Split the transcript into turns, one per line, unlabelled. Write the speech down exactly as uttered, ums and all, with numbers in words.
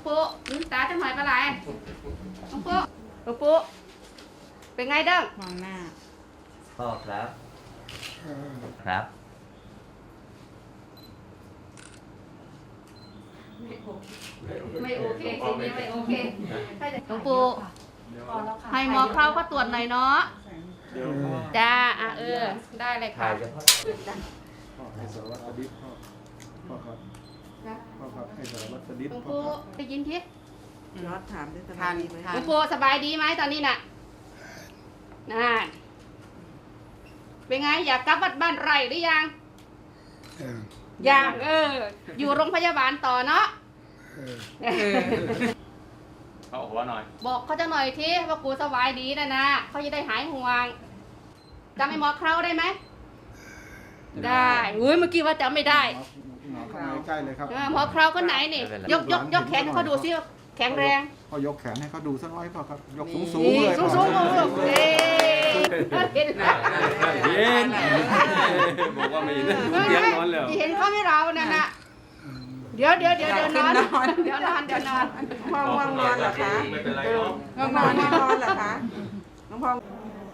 ปุ๊ลืมตาจะหน่อยปลาไหลน้องปุ๊น้องปุ๊เป็นไงเด้งมองหน้า
พ่อครับครับ
ไม่โอเคสิ่งนี้ไม่โอเคน้องปุ๊ให้หมอเข้าก็ตรวจหน่อยเนาะจ้าอ่ะเออได้เลยค่ะ
พ่อให้สารวัตรสดิษพ่อพ่อครับพ่อครับให้สารวัตรสดิษ
น้อง
พ่อ
ปุ๊
ครับ
ได้ยินที
น็อตถามได้สบายดีไหม
น้องปุ๊สบายดีไหมตอนนี้น่ะน่าเป็นไงอยากกลับวัดบ้านไร่หรือยังอยากเอออยู่โรงพยาบาลต่อเนาะ
เขาบอกว่าหน่อย
บอกเขาจะหน่อยทีว่ากูสบายดีนะนะเขาจะได้หายห่วงจำไอ้หมอเคราได้ไหมได้อุ้ยเมื่อกี้ว่าจำไม่ได้
หมอเข้ามาใกล้เลยครับ
เออหมอเคราคนไหนนี่ยกยกยกแขนให้เขาดูซิแข็งแรง
พ่อยกแขนให้เขาดูสักน้อยพ่อครับยกสูงสูงเลย
สูงสูงสูงเอ๊เห็นไหม
เย็นบอกว่าไม่ยินเตียงนอนแล้ว
เห็นเขาไม่เราเนี่ยนะเดี๋ยวเดี๋ยวเดี๋ยวเดี๋ยวนอนเดี๋ยวนอนเดี๋ยวนอน
น้องพองง่วงนอนเหรอคะ
ไม่เป็นไรเนาะ
ง่วงนอนไม่นอนเหรอคะน้องพอง